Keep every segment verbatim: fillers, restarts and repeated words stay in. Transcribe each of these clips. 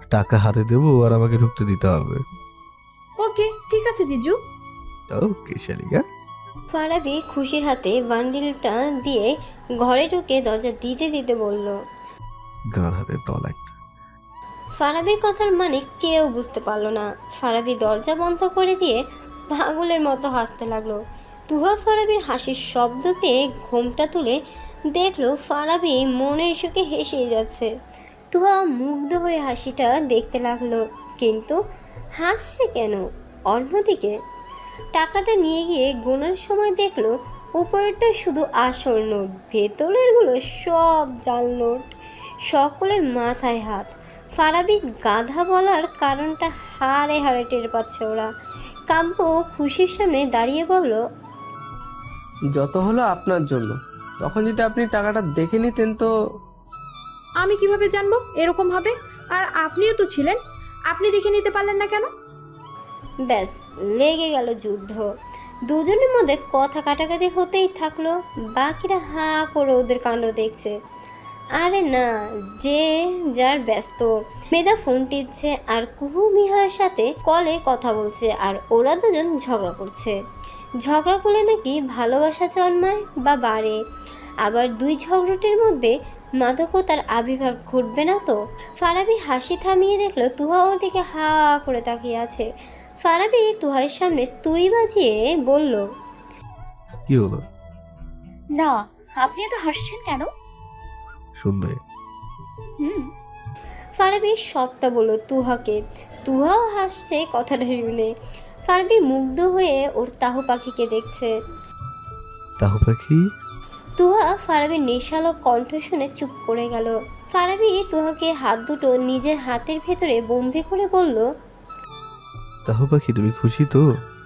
টাকা হাতে দেবো আর আমাকে ঢুকতে দিতে হবে। ওকে ঠিক আছে জিজু। ওকে শালিকা। ফারাবি খুশির হাতে বান্ডিলটা দিয়ে ঘরে ঢুকে দরজা দিতে দিতে বলল। গাঁর হাতে দল একটা। ফারাবির কথার মানে কেউ বুঝতে পারলো না। ফারাবি দরজা বন্ধ করে দিয়ে পাগলের মতো হাসতে লাগলো। তুহা ফারাবির হাসির শব্দ পেয়ে ঘোমটা তুলে দেখলো ফারাবি মনের সুখে হেসেই যাচ্ছে। তুহা মুগ্ধ হয়ে হাসিটা দেখতে লাগলো, কিন্তু হাসছে কেন? অন্যদিকে টাকাটা নিয়ে গিয়ে গোনার সময় দেখলো উপরেরটা শুধু আসল নোট, ভেতরেরগুলো সব জাল নোট। সকলের মাথায় হাত। ফারাবি গাধা বলার কারণটা হাড়ে হাড়ে টের পাচ্ছে ওরা। কাব্য খুশির সামনে দাঁড়িয়ে বলল, যত হলো আপনার জন্য। তখন যদি আপনি টাকাটা দেখে নিতেন তো। আমি কিভাবে জানবো এরকম হবে? আর আপনিও তো ছিলেন, আপনি দেখে নিতে পারলেন না কেন? ব্যাস লেগে গেল যুদ্ধ। দুজনের মধ্যে কথা কাটাকাটি হতেই থাকলো। বাকিরা হাঁ করে ওদের কাণ্ড দেখছে। আরে না, যে যার ব্যস্ত। মেধা ফোন টিপছে আর কুহু মিহার সাথে কলে কথা বলছে, আর ওরা দুজন ঝগড়া করছে। ঝগড়া করলে নাকি ভালোবাসা জন্মায় বা বাড়ে। আবার দুই ঝগড়াটির মধ্যে মাদকতার আবির্ভাব ঘটবে না তো? ফারাবি হাসি থামিয়ে দেখলো তুহা ওর দিকে হা করে তাকিয়ে আছে। ফারাবি তুহার সামনে তুড়ি বাজিয়ে বলল, কি হলো? না, আপনি তো হাসছেন কেন? শুনবে? হুম। ফারাবি সবটা বলল তুহাকে। তুহাও হাসছে কথাটা শুনে। ফারাবি মুগ্ধ হয়ে ওর তাহু পাখিকে দেখছে। তাহু পাখি? তুহা ফারাবির নেশালো কণ্ঠ শুনে চুপ করে গেল। ফারাবি তুহাকে হাত দুটো নিজের হাতের ভেতরে বন্দি করে বলল, তাহু পাখি তুমি খুশি তো?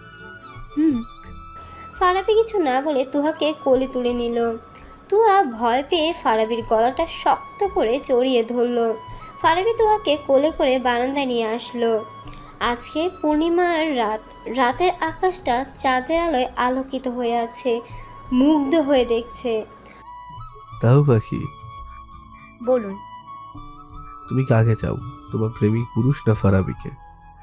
হুম। ফারাবি কিছু না বলে তুহাকে কোলে তুলে নিল। তুহা ভয় পেয়ে ফারাবির গলাটা শক্ত করে জড়িয়ে ধরল। ফারাবি তুহাকে কোলে করে বারান্দায় নিয়ে আসলো। আজকে পূর্ণিমার রাত। রাতের আকাশটা চাঁদের আলোয় আলোকিত হয়ে আছে। মুগ্ধ হয়ে দেখছে। তাহু পাখি বলুন। তুমি কাকে চাও, তোমার প্রেমিক পুরুষ না ফারাবিকে?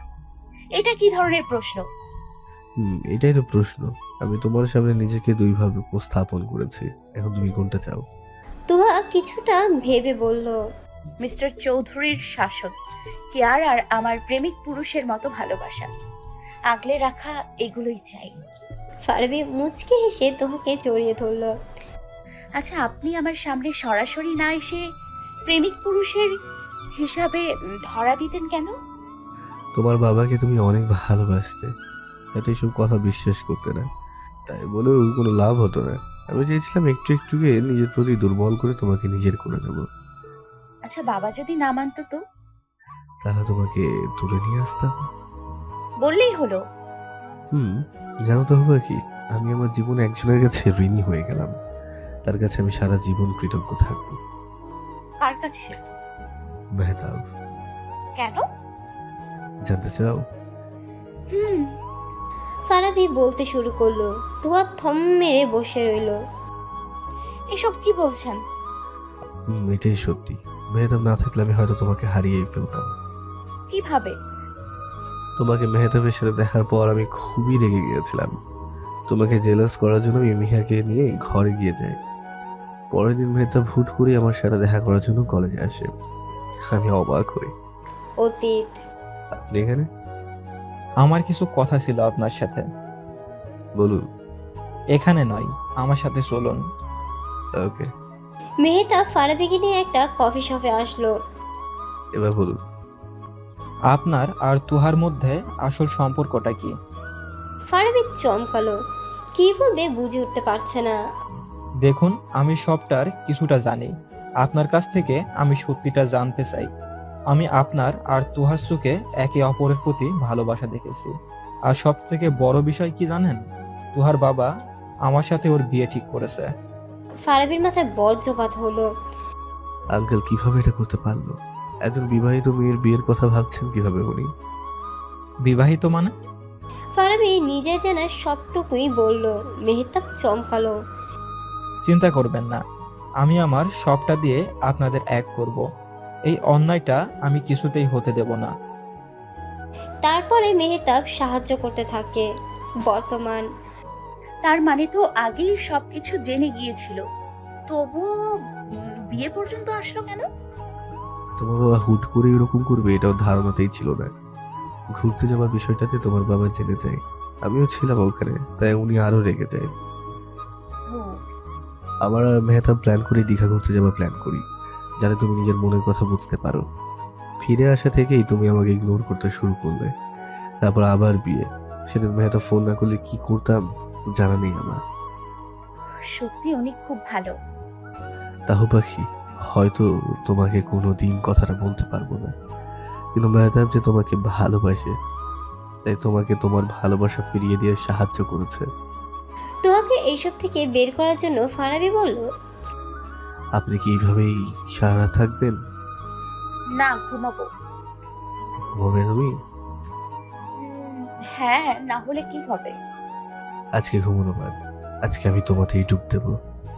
এটা কি ধরনের প্রশ্ন? হুম এটাই তো প্রশ্ন। আমি তোমার সামনে নিজেকে দুইভাবে উপস্থাপন করেছি, এখন তুমি কোনটা চাও? তুহা কিছুটা ভেবে বলল, মিস্টার চৌধুরীর শাসক কেয়ার আর আমার প্রেমিক পুরুষের মতো ভালোবাসা আগলে রাখা, এগুলোই চাই। ফারাবি মুচকি হেসে তুহাকে জড়িয়ে ধরল। আচ্ছা, আপনি আমার সামনে সরাসরি না এসে প্রেমিক পুরুষের হিসাবে উম, ধরা দিতেন কেন? তোমার বাবাকে তুমি অনেক ভালোবাসতে, হয়তো এসব কথা বিশ্বাস করতে না, তাই বলেও কোনো লাভ হতো না। আমি চেয়েছিলাম একটু একটুকে নিজের প্রতি দুর্বল করে তোমাকে নিজের করে দেবো। আচ্ছা, বাবা যদি না মানতো তো? তাহলে তোমাকে তুলে নিয়ে আসতাম। বললেই হলো। হুম জানো তো হবে কি, আমি আমার জীবনে একজনের কাছে ঋণী হয়ে গেলাম। তার কাছে আমি সারা জীবন কৃতজ্ঞ থাকবো। কার কাছে? মেহতাব। কেন? জানতে চাও? হুম। ফারাবি বলতে শুরু করলো। তুহা থম মেরে বসে রইল। এসব কি বলছেন? হুম এটাই সত্যি। মেহতাব না থাকলে আমি হয়তো তোমাকে হারিয়েই ফেলতাম। কিভাবে? তোমাকে মেহতাবের সাথে দেখার পর আমি খুবই রেগে গিয়েছিলাম। তোমাকে জেলাস করার জন্য আমি মিহাকে নিয়ে ঘরে গিয়ে যাই। পরের দিন মেহতাব হুট করে আমার সাথে দেখা করার জন্য কলেজে আসে। আমি অবাক হই। অতীত। আপনি এখানে? আমার কিছু কথা ছিল আপনার সাথে। বলুন। এখানে নয়, আমার সাথে চলুন। ওকে। মেহতাব ফারাবিকে নিয়ে একটা কফি শপে আসলো। এবার বলুন। আপনার আর তুহার মধ্যে আসল সম্পর্কটা কি? ফারাবি চমকালো। কি বলবে বুঝে উঠতে পারছে না। দেখুন, আমি সবটার কিছুটা জানি। আপনার কাছ থেকে আমি সত্যিটা জানতে চাই। আমি আপনার আর তুহার চোখে একে অপরের প্রতি ভালোবাসা দেখেছি। আর সব থেকে বড় বিষয় কি জানেন? তুহার বাবা আমার সাথে ওর বিয়ে ঠিক করেছে। ফারাবির মাথায় বজ্রপাত হলো। আঙ্কেল কিভাবে এটা করতে পারলো? একজন বিবাহিত মেয়ের বিয়ের কথা ভাবছেন কিভাবে উনি? বিবাহিত মানে? ফারাবি নিজে জানা সবটুকুই বলল। মেহতাব চমকালো। চিন্তা করবেন না, আমি আমার সবটা দিয়ে আপনাদের এক করব। এই অন্যায়টা আমি কিছুতেই হতে দেব না। তারপরে মেহতাব সাহায্য করতে থাকে। বর্তমান তার মানে তো আগেই সবকিছু জেনে গিয়েছিল, তবুও উম, বিয়ে পর্যন্ত আসলো কেন? তোমার বাবা হুট করে এরকম করবে এটাও ধারণাতেই ছিল না। ঘুরতে যাওয়ার বিষয়টাতে তোমার বাবা জেনে যায়, আমিও ছিলাম ওখানে, তাই উনি আরো রেগে যায়। ও, আমার আর মেহতাব প্ল্যান করে দীঘা ঘুরতে যাওয়ার প্ল্যান করি, যাতে তুমি নিজের মনের কথা বুঝতে পারো। ফিরে আসা থেকেই তুমি আমাকে ইগনোর করতে শুরু করলে, তারপর আবার বিয়ে। সেদিন মেহতাব ফোন না করলে কি করতাম জানা নেই আমার। সত্যি উনি খুব ভালো। তাহু পাখি, হয়তো তোমাকে কোনো দিন কথাটা বলতে পারবো না, কিন্তু মেহতাব যে তোমাকে ভালোবাসে, তাই তোমাকে তোমার ভালোবাসা ফিরিয়ে দিয়ে সাহায্য করেছে। তুহাকে এইসব থেকে বের করার জন্য ফারাবি বলল, আপনি কি এইভাবেই সারা রাত থাকবেন? না, ঘুমাবো। ঘুমাবে তুমি? উম, হ্যাঁ, না হলে কি হবে? আজকে ঘুমানো বাদ, আজকে আমি তোমাতেই ডুব দেবো।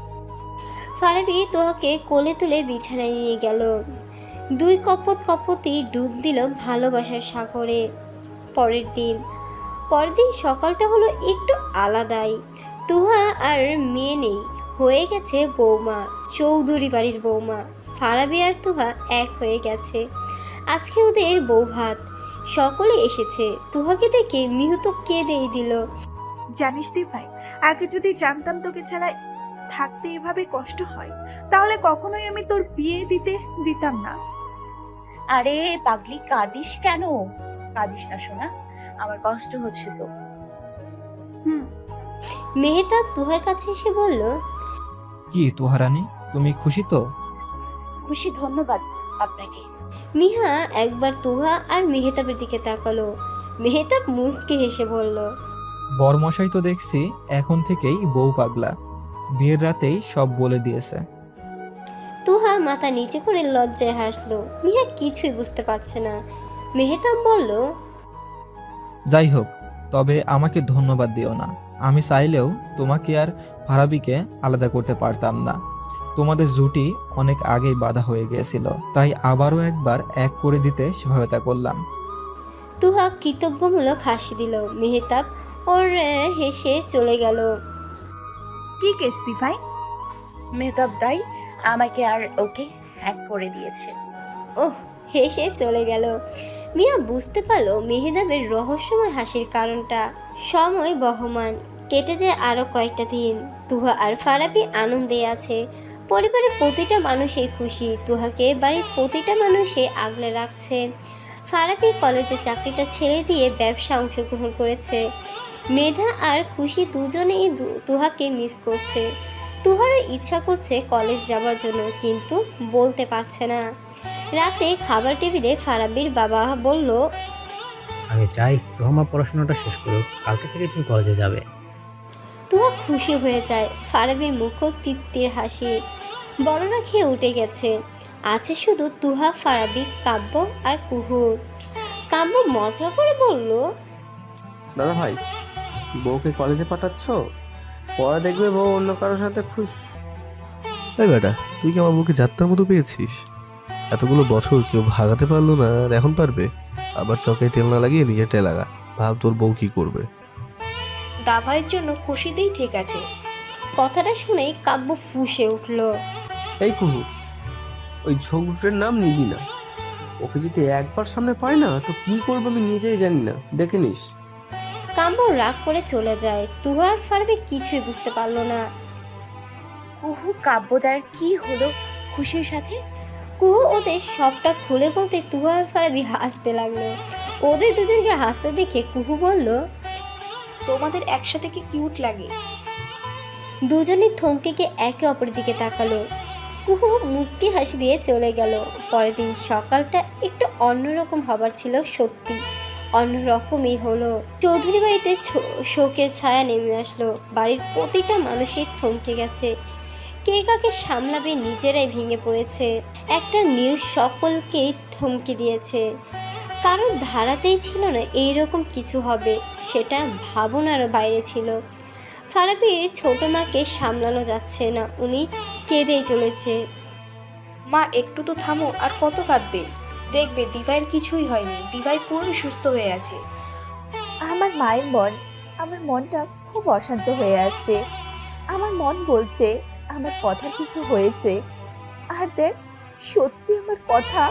ফারাবি তোহাকে কোলে তুলে বিছানায় নিয়ে গেল। দুই কপত কপতি ডুব দিল ভালোবাসার সাগরে। পরের দিন পরের দিন সকালটা হলো একটু আলাদাই। তুহা আর মেয়ে নেই, হয়ে গেছে বৌমা, চৌধুরী বাড়ির বৌমা। ফারাবি আর তুহা এক হয়ে গেছে। আজকে ওদের বউ ভাত, সকলে এসেছে। তুহাকে দেখে মিহু তো কেঁদেই দিল। জানিস দি ভাই, আগে যদি জানতাম তোকে ছাড়া থাকতে এভাবে কষ্ট হয়, তাহলে কখনোই আমি তোর বিয়ে দিতে দিতাম না। আরে পাগলি, কাঁদিস কেন? কাঁদিস না সোনা, আমার কষ্ট হচ্ছে তো। হুম। মেহতাব তুহার কাছে এসে বলল, কি তুহারানী, তুমি খুশি তো? খুশি, ধন্যবাদ আপনাকে। মিহা একবার তুহা আর মেহতাবের দিকে তাকালো। মেহতাব মুচকে হেসে বলল, বরমশাই তো দেখছি এখন থেকেই বউ পাগলা, বিয়ের রাতেই সব বলে দিয়েছে। তুহা মাথা নিচে করে লজ্জায় হাসলো। মিহা কিছুই বুঝতে পারছে না। মেহতাব বলল, যাই হোক, তবে আমাকে ধন্যবাদ দিও না। আমি চাইলেও তোমাকে আর ফারাবিকে আলাদা করতে পারতাম না। তোমাদের জুটি অনেক আগেই বাঁধা হয়ে গিয়েছিল, তাই আবারও একবার এক করে দিতে সহায়তা করলাম। তুহা কৃতজ্ঞমূলক হাসি দিল। মেহতাব ওর আহ, হেসে চলে গেল। কি কেস দি ভাই? মেহতাব দাই আমাকে আর ওকে হ্যাক করে দিয়েছে। ওহ, হেসে চলে গেল। মিয়া বুঝতে পারলো মেহতাবের রহস্যময় হাসির কারণটা। সময় বহমান, কেটে যায় আরো কয়েকটা দিন। তুহা আর ফারাবি আনন্দে আছে। পরিবারের প্রতিটা মানুষই খুশি। তুহাকে বাড়ির প্রতিটা মানুষই আগলে রাখছে। ফারাবি কলেজে চাকরিটা ছেড়ে দিয়ে ব্যবসা অংশগ্রহণ করেছে। মেধা আর খুশি দুজনেই দু- তুহাকে মিস করছে। তুহারও ইচ্ছা করছে কলেজ যাওয়ার জন্য, কিন্তু বলতে পারছে না। রাতে খাবার টেবিলে ফারাবির বাবা বলল, আমি চাই তো আমার পড়াশোনাটা শেষ করুক, কালকে থেকে তুমি কলেজে যাবে। তুহা খুশি হয়ে যায়। ফারাবির মুখও তৃপ্তির হাসি। বড়রা খেয়ে উঠে গেছে। আছে শুধু তুহা, ফারাবি, কাব্য আর কুহু। কাব্য মজা করে বলল, দাদা ভাই, বউকে কলেজে পাঠাচ্ছ? পরে দেখবে বউ অন্য কারোর সাথে খুশ। এই বেটা, তুই কি আমার বুকে যাত্রার মতো পেয়েছিস? এতগুলো বছর কেউ ভাগাতে পারলো না, আর এখন পারবে? আবার চকায় তেল না লাগিয়ে নিজেরটাই লাগা। ভাব তোর বউ কি করবে। দাভাইয়ের জন্য খুশিতেই ঠিক আছে। কথাটা শুনেই কাব্য ফুঁসে উঠল। এই কুহু, ওই ঝোঁকটের নাম নিবি না। ওকে যদি একবার সামনে পাই না, তো কি করবো আমি নিজেই জানি না, দেখে নিস। কাব্য রাগ করে চলে যায়। তুহা আর ফারাবি কিছুই বুঝতে পারলো না। কুহু, কাব্যদার কি হলো খুশির সাথে? কুহু ওদের সবটা খুলে বলতে তুহা আর ফারাবি হাসতে লাগলো। ওদের দুজনকে হাসতে দেখে কুহু বলল, তোমাদের একসাথে কি কিউট লাগে। দুজনে থমকে গিয়ে একে অপরের দিকে তাকালো। কুহু মুচকি হাসি দিয়ে চলে গেল। পরের দিন সকালটা একটু অন্যরকম হবার ছিল, সত্যি অন্যরকমই হলো। চৌধুরী বাড়িতে ছো- শোকের ছায়া নেমে আসলো। বাড়ির প্রতিটা মানুষই থমকে গেছে। কে কাকে সামলাবে নিজেরাই ভেঙে পড়েছে। একটা নিউজ সকলকেই থমকে দিয়েছে। কারোর ধারাতেই ছিল না এইরকম কিছু হবে, সেটা ভাবনারও বাইরে ছিল। ফারাবির ছোট মাকে সামলানো যাচ্ছে না, উনি কেঁদেই চলেছে। মা একটু তো থামো, আর কত কাঁদবে? দেখবে দিভাইয়ের কিছুই হয়নি, দিভাই পুরোই সুস্থ হয়ে আছে। আমার মায়ের মন, আমার মনটা খুব অশান্ত হয়ে আছে। আমার মন বলছে আমার কথার কিছু হয়েছে, আর দেখ সত্যি আমার কথা।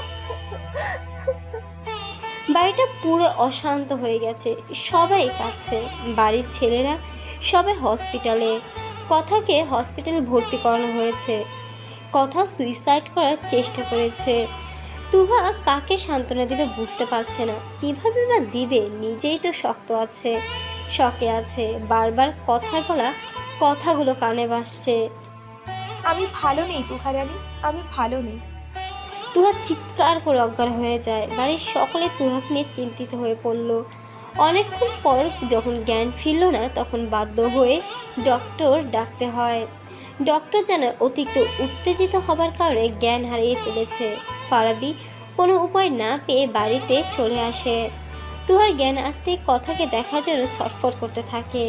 বাড়িটা পুরো অশান্ত হয়ে গেছে, সবাই কাঁদছে। বাড়ির ছেলেরা সবাই হসপিটালে। কথাকে হসপিটালে ভর্তি করানো হয়েছে। কথা সুইসাইড করার চেষ্টা করেছে। তুহা কাকে সান্ত্বনা দিবে বুঝতে পারছে না, কিভাবে বা দিবে। নিজেই তো শক্ত আছে, শকে আছে। বারবার কথার বলা কথাগুলো কানে বাজছে। আমি ভালো নেই তুহারানী, আমি ভালো নেই। তুহা চিৎকার করে অজ্ঞান হয়ে যায়। বাড়ির সকলে তুহাকে নিয়ে চিন্তিত হয়ে পড়ল। অনেকক্ষণ পর যখন জ্ঞান ফিরল না, তখন বাধ্য হয়ে ডক্টর ডাকতে হয়। ডক্টর জানায় অতিরিক্ত উত্তেজিত হবার কারণে জ্ঞান হারিয়ে ফেলেছে। ফারাবি কোনো উপায় না পেয়ে বাড়িতে চলে আসে। তুহার জ্ঞান আসতে কথাকে দেখার জন্য ছটফট করতে থাকে।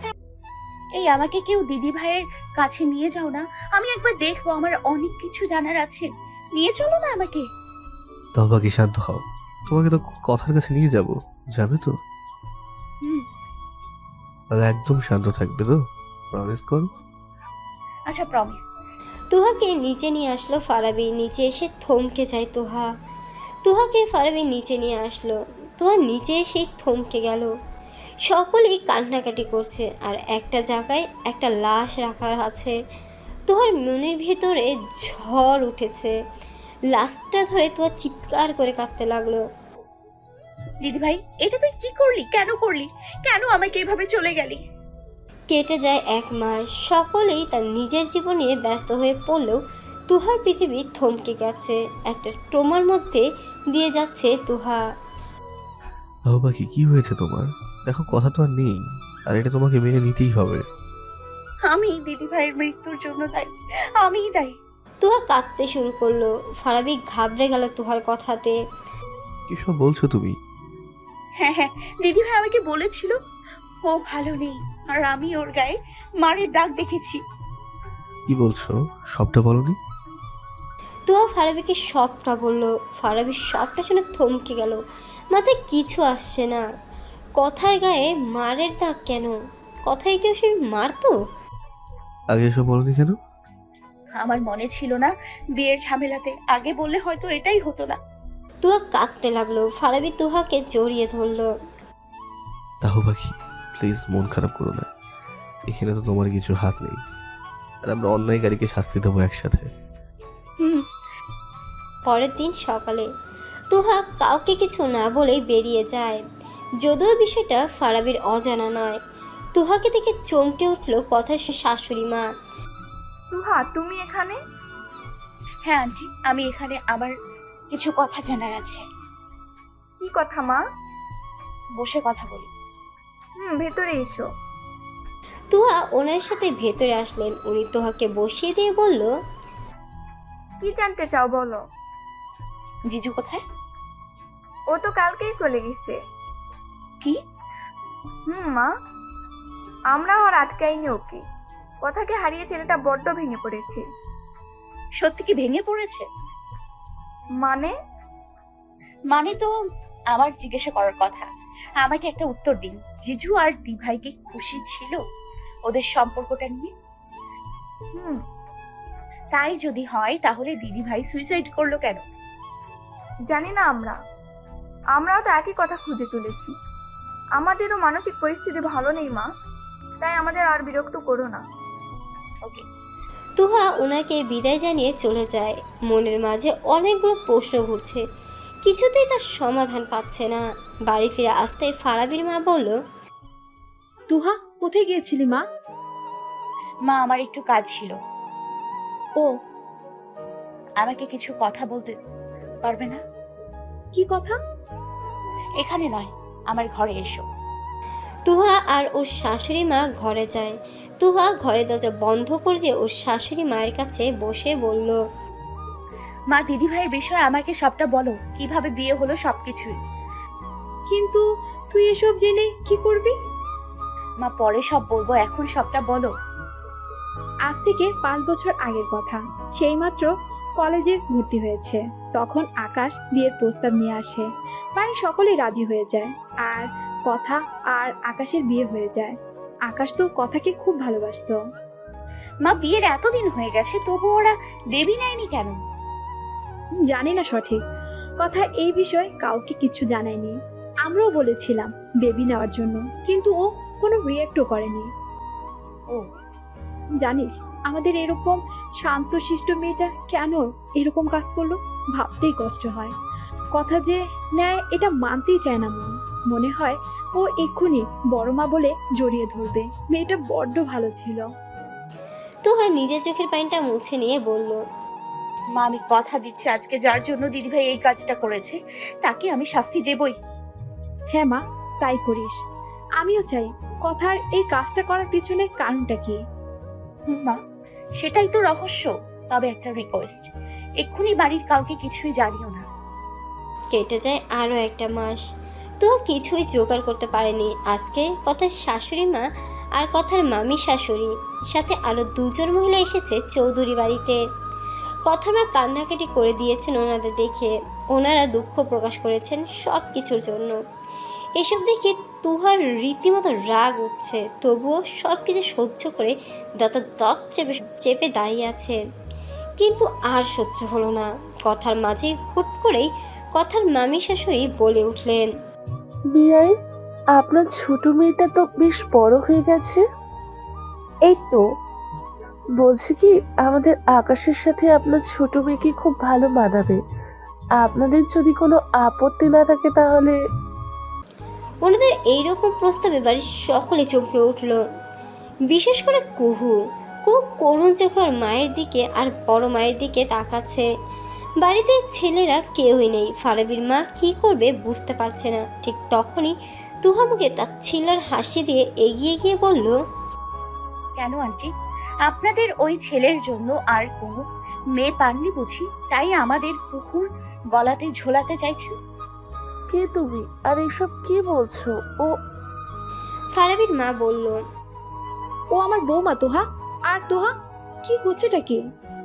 এই আমাকে কেউ দিদি ভাইয়ের কাছে নিয়ে যাও না, আমি একবার দেখবো, আমার অনেক কিছু জানার আছে। নিয়ে চলো না আমাকে। তবা কি শান্ত হও, তোমাকে তো কথার কাছে নিয়ে যাব, যাবে তো? হুম। আর একদম শান্ত থাকবে তো, প্রমিস করো। আচ্ছা, প্রমিস। তুহাকে নিচে নিয়ে আসলো ফারাবি। নিচে এসে থমকে যায় তুহা। তুহাকে ফারাবি নিচে নিয়ে আসলো। তুহা নিচে এসে থমকে গেল। সকলেই কান্নাকাটি করছে, আর একটা জায়গায় একটা লাশ রাখা আছে। তুহার মনের ভেতরে ঝড় উঠেছে। লাশটা ধরে তুহা চিৎকার করে কাঁদতে লাগলো। দিদি ভাই, এটা তুই কি করলি? কেন করলি? কেন আমাকে এভাবে চলে গেলি? কেটে যায় এক মাস। সকলেই তার নিজের জীবন নিয়ে ব্যস্ত হয়ে পড়লেও তুহার পৃথিবী থমকে গেছে। একটা ট্রমার মধ্যে দিয়ে যাচ্ছে তুহা। তাও বাকি কি হয়েছে তোমার? দেখো কথা তো আর নেই, আর এটা তোমাকে মেনে নিতেই হবে। আমি দিদি ভাইয়ের মৃত্যুর জন্য দায়ী, আমিই দায়ী। তুহা কাঁদতে শুরু করলো। ফারাবি ঘাবড়ে গেল তুহার কথাতে। কি সব বলছো তুমি? হ্যাঁ হ্যাঁ, দিদি ভাই আমাকে বলেছিল ও ভালো নেই, আর আমি ওর গায়ে মারের দাগ দেখেছি। কি বলছো? সবটা বলনি? তুহা ফারাবিকে সবটা বলল। ফারাবি সবটা শুনে থমকে গেল। মাথায় কিছু আসছে না। কথার গায়ে মারের দাগ কেন? কথায় কেউ সে মারতো? আগে এসব বলনি কেন? আমার মনে ছিল না বিয়ের ঝামেলাতে, আগে বললে হয়তো এটাই হতো না। তুহা কাঁদতে লাগলো। ফারাবি তুহাকে জড়িয়ে ধরলো। তাও বাকি প্লিজ মন খারাপ করো না, এখানে তো তোমার কিছু হাত নেই, আর আমরা অন্যায়কারীকে শাস্তি দেবো একসাথে। হুম। পরের দিন সকালে তুহা কাউকে কিছু না বলেই বেরিয়ে যায়। যদিও বিষয়টা ফারাবির অজানা নয়। তুহাকে দেখে চমকে উঠলো কথার শাশুড়ি মা। তুহা, তুমি এখানে? হ্যাঁ আন্টি, আমি এখানে, আমার কিছু কথা জানার আছে। কি কথা মা? বসে কথা বলি। হুম, ভেতরে এসো। তুহা ওনার সাথে ভেতরে আসলেন। উনি তুহাকে বসিয়ে দিয়ে বলল, কি জানতে চাও বলো। জিজু কোথায়? ও তো কালকেই চলে গেছে। কি? হুম মা, আমরাও আর আটকাইনি ওকে। কথাকে হারিয়ে ছেলেটা বড্ড ভেঙে পড়েছে। সত্যি কি ভেঙে পড়েছে? মানে? মানে তো আমার জিজ্ঞাসা করার কথা, আমাকে একটা উত্তর দিন। জিজু আর দিভাই কি খুশি ছিল ওদের সম্পর্কটা নিয়ে? হুম। তাই যদি হয় তাহলে দিদি ভাই সুইসাইড করলো কেন? জানি না আমরা আমরাও তো একই কথা খুঁজে চলেছি। আমাদেরও মানসিক পরিস্থিতি ভালো নেই মা, তাই আমাদের আর বিরক্ত করো না। ওকে। তুহা ওনাকে বিদায় জানিয়ে চলে যায়। মনের মাঝে অনেকগুলো প্রশ্ন ঘুরছে, কিছুতেই তার সমাধান পাচ্ছে না। বাড়ি ফিরে আসতে ফারাবির মা বলল, তুহা, কোথায় গিয়েছিলি মা? মা, আমার একটু কাজ ছিল। ও, আমাকে কিছু কথা বলতে পারবে না? কি কথা? এখানে নয়, আমার ঘরে এসো। তুহা আর ওর শাশুড়ি মা ঘরে যায়। তুহা ঘরের দরজা বন্ধ করে দিয়ে ওর শাশুড়ি মায়ের কাছে বসে বলল, মা, দিদি ভাইয়ের বিষয়ে আমাকে সবটা বলো, কিভাবে বিয়ে হলো সবকিছুই। কিন্তু তুই এসব জেনে কি করবি? মা, পরে সব বলবো, এখন সবটা বলো। আজ থেকে পাঁচ বছর আগের কথা। সেই মাত্র কলেজে ভর্তি হয়েছে। তখন আকাশ বিয়ের প্রস্তাব নিয়ে আসে। বাড়ির সকলেই রাজি হয়ে যায় আর কথা আর আকাশের বিয়ে হয়ে যায়। আকাশ তো কথাকে খুব ভালোবাসতো। মা, বিয়ের এতদিন হয়ে গেছে তবু ওরা দেবী নেয়নি কেন? জানি না সঠিক কথা, এই বিষয়ে কাউকে কিছু জানায়নি। আমরাও বলেছিলাম বেবি নেওয়ার জন্য, কিন্তু ও কোনো রিয়েক্টও করেনি। ও, জানিস আমাদের এরকম শান্তশিষ্ট মেয়েটা কেন এরকম কাজ করলো, ভাবতেই কষ্ট হয়। কথা যে নেয় এটা মানতেই চায় না মন। মনে হয় ও এক্ষুনি বড় মা বলে জড়িয়ে ধরবে। মেয়েটা বড্ড ভালো ছিল। তুহা নিজের চোখের পানিটা মুছে নিয়ে বলল, মা, আমি কথা দিচ্ছি আজকে যার জন্য দিদিভাই এই কাজটা করেছে তাকে আমি শাস্তি দেবই। হ্যাঁ মা, তাই করিস। আমিও চাই। কথার এই কাজটা করার পিছনে কারণটা কি? হুম মা, সেটাই তো রহস্য। তবে একটা রিকোয়েস্ট, এক্ষুনি বাড়ির কাউকে কিছুই জানিও না। কেটে যায় আরও একটা মাস। তো কিছুই জোগাড় করতে পারেনি। আজকে কথার শাশুড়ি মা আর কথার মামি শাশুড়ি সাথে আরও দুজন মহিলা এসেছে চৌধুরী বাড়িতে। কথার মা কান্নাকাটি করে দিয়েছেন ওনাদের দেখে। ওনারা দুঃখ প্রকাশ করেছেন সব কিছুর জন্য। এসব দেখে তুহার রীতিমতো রাগ উঠছে, তবুও সব কিছু সহ্য করে দাঁতার দাঁত চেপে চেপে দাঁড়িয়ে আছে। কিন্তু আর সহ্য হলো না। কথার মাঝে হুট করেই কথার মামি শাশুড়ি বলে উঠলেন, বিয়াই, আপনার ছোট মেয়েটা তো বেশ বড় হয়ে গেছে। এই তো। বলছি কি, আমাদের আকাশের সাথে আপনার ছোট মেয়েকে খুব ভালো মানাবে। আপনাদের যদি কোনো আপত্তি না থাকে তাহলে। ওনাদের এইরকম প্রস্তাবে বাড়ির সকলে চমকে উঠল, বিশেষ করে কুহু। কুহু করুণ চোখে ওর মায়ের দিকে আর বড় মায়ের দিকে তাকাচ্ছে। বাড়িতে ছেলেরা কেউই নেই। ফারাবির মা কি করবে বুঝতে পারছে না। ঠিক তখনই তুহা মুখে তার ছিলার হাসি দিয়ে এগিয়ে গিয়ে বলল, কেন আন্টি, আপনাদের ওই ছেলের জন্য আর কোনো মেয়ে পাননি বুঝি, তাই আমাদের পুকুর গলাতে ঝোলাতে চাইছেন? কে তুমি, আর এসব কি বলছো? ও ফারাবির মা বলল, ও আমার বৌমা তোহা। আর তোহা, কি হচ্ছেটা কি?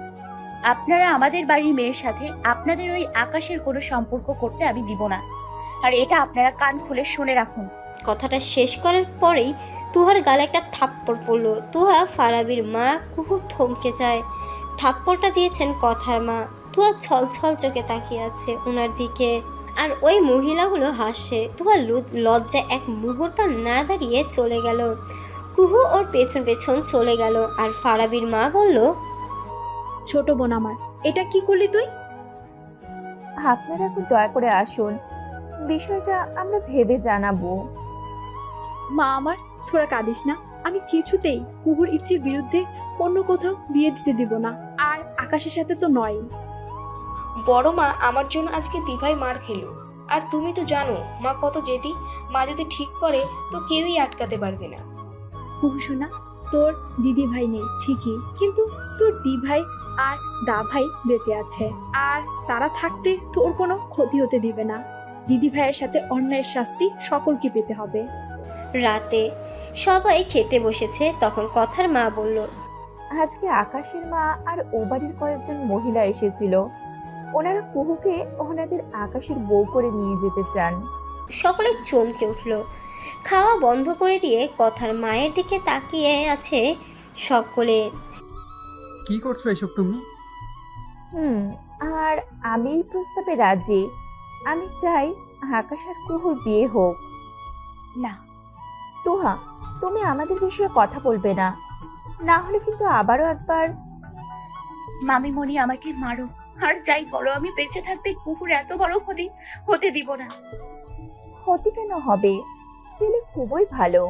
আপনারা আমাদের বাড়ির মেয়ের সাথে আপনাদের ওই আকাশের কোনো সম্পর্ক করতে আমি দিব না। আর এটা আপনারা কান খুলে শুনে রাখুন। কথাটা শেষ করার পরেই তুহার গালে একটা থাপ্পড় পড়ল। তুহা, ফারাবির মা, কুহু থমকে যায়। থাপ্পড়টা দিয়েছেন কথার মা। তুহা ছল ছল চোখে তাকিয়ে আছে ওনার দিকে, আর ওই মহিলাগুলো হাসছে। তুহা লজ্জায় এক মুহূর্ত না দাঁড়িয়ে চলে গেল। কুহু ওর পেছন পেছন চলে গেল। আর ফারাবির মা বলল, ছোট বোন আমার, এটা কি করলি তুই? আপনারা এখন দয়া করে আসুন, বিষয়টা আমরা ভেবে জানাবো। মা আমার, তোরা কাঁদিস না। আমি কিছুতেই কুহুর ইচ্ছের বিরুদ্ধে অন্য কোথাও বিয়ে দিতে দিব না। আর আকাশের সাথে তো নয়। বড় মা আমার জন্য আজকে দিভাই মার খেলো। আর তুমি তো জানো মা কত জেদি। মা যদি ঠিক করে তো কেউই আটকাতে পারবে না। কুহু শোনা, তোর দিদি ভাই নেই ঠিকই, কিন্তু তোর দি ভাই আর দা ভাই বেঁচে আছে। আর তারা থাকতে তোর কোনো ক্ষতি হতে দিবে না। দিদি ভাইয়ের সাথে অন্যায়ের শাস্তি সকলকে পেতে হবে। রাতে সবাই খেতে বসেছে। তখন কথার মা বলল, আজকে আকাশের মা আর ও বাড়ির কয়েকজন মহিলা এসেছিল। ওনারা কুহুকে ওনাদের আকাশের বউ করে নিয়ে যেতে চান। সকলে চমকে উঠল। খাওয়া বন্ধ করে দিয়ে কথার মায়ের দিকে তাকিয়ে আছে সকলে। কি করছো এসব তুমি? হুম আর আমি এই প্রস্তাবে রাজি। আমি চাই আকাশ আর কুহুর বিয়ে হোক। না তুহা, তুমি আমাদের বিষয়ে কথা বলবে না, না হলে কিন্তু আবারও একবার। মামিমণি, আমাকে মারো আর যাই করো, আমি বেঁচে থাকতে কুকুর এত বড় ক্ষতি হতে দিব না। ক্ষতি কেন হবে? ছেলে খুবই ভালো।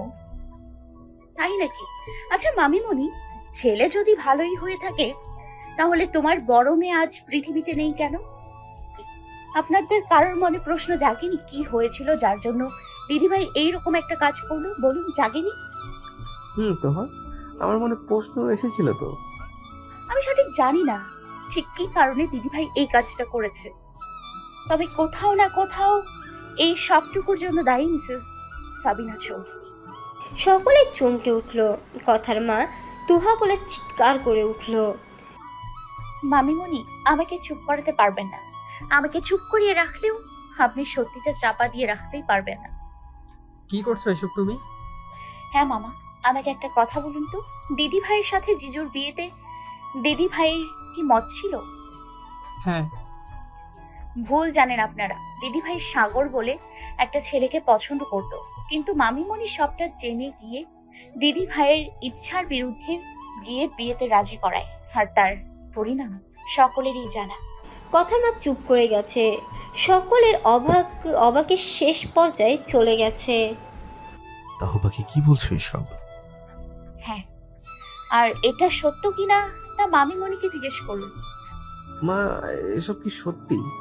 তাই নাকি? আচ্ছা মামিমণি, ছেলে যদি ভালোই হয়ে থাকে তাহলে তোমার বড় মেয়ে আজ পৃথিবীতে নেই কেন? আপনাদের কারোর মনে প্রশ্ন জাগেনি কি হয়েছিল যার জন্য দিদিভাই এইরকম একটা কাজ করলো? বলুন, জাগেনি? হুম তো হয়, আমার মনে প্রশ্ন এসেছিল তো। আমি সঠিক জানি না ঠিক কি কারণে দিদিভাই এই কাজটা করেছে, তবে কোথাও না কোথাও এই সবটুকুর জন্য দায়ী মিসেস সাবিনা চৌধুরী। সকলে চমকে উঠল। কথার মা তুহা বলে চিৎকার করে উঠল, মামিমণি, আমাকে চুপ করাতে পারবেন না। আমাকে চুপ করিয়ে রাখলেও আপনি সত্যিটা চাপা দিয়ে রাখতেই পারবেন না। কি করছো এসব তুমি? হ্যাঁ মামা, আমাকে একটা কথা বলুন তো, দিদি ভাইয়ের সাথে জিজুর বিয়েতে দিদি ভাইয়ের কি মত ছিল? হ্যাঁ। ভুল জানেন আপনারা। দিদি ভাই সাগর বলে একটা ছেলেকে পছন্দ করত, কিন্তু মামিমণি সবটা জেনে গিয়ে দিদি ভাইয়ের ইচ্ছার বিরুদ্ধে গিয়ে বিয়েতে রাজি করায়, আর তার পরিণাম সকলেরই জানা। কথার মা চুপ করে গেছে। সকলের অবাক অবাকের শেষ পর্যায়ে চলে গেছে। তাহু পাখি কি বলছো এসব? হ্যাঁ, আর এটা সত্য কিনা তা মামিমণিকে জিজ্ঞেস করুন। মা, এসব কি সত্যি?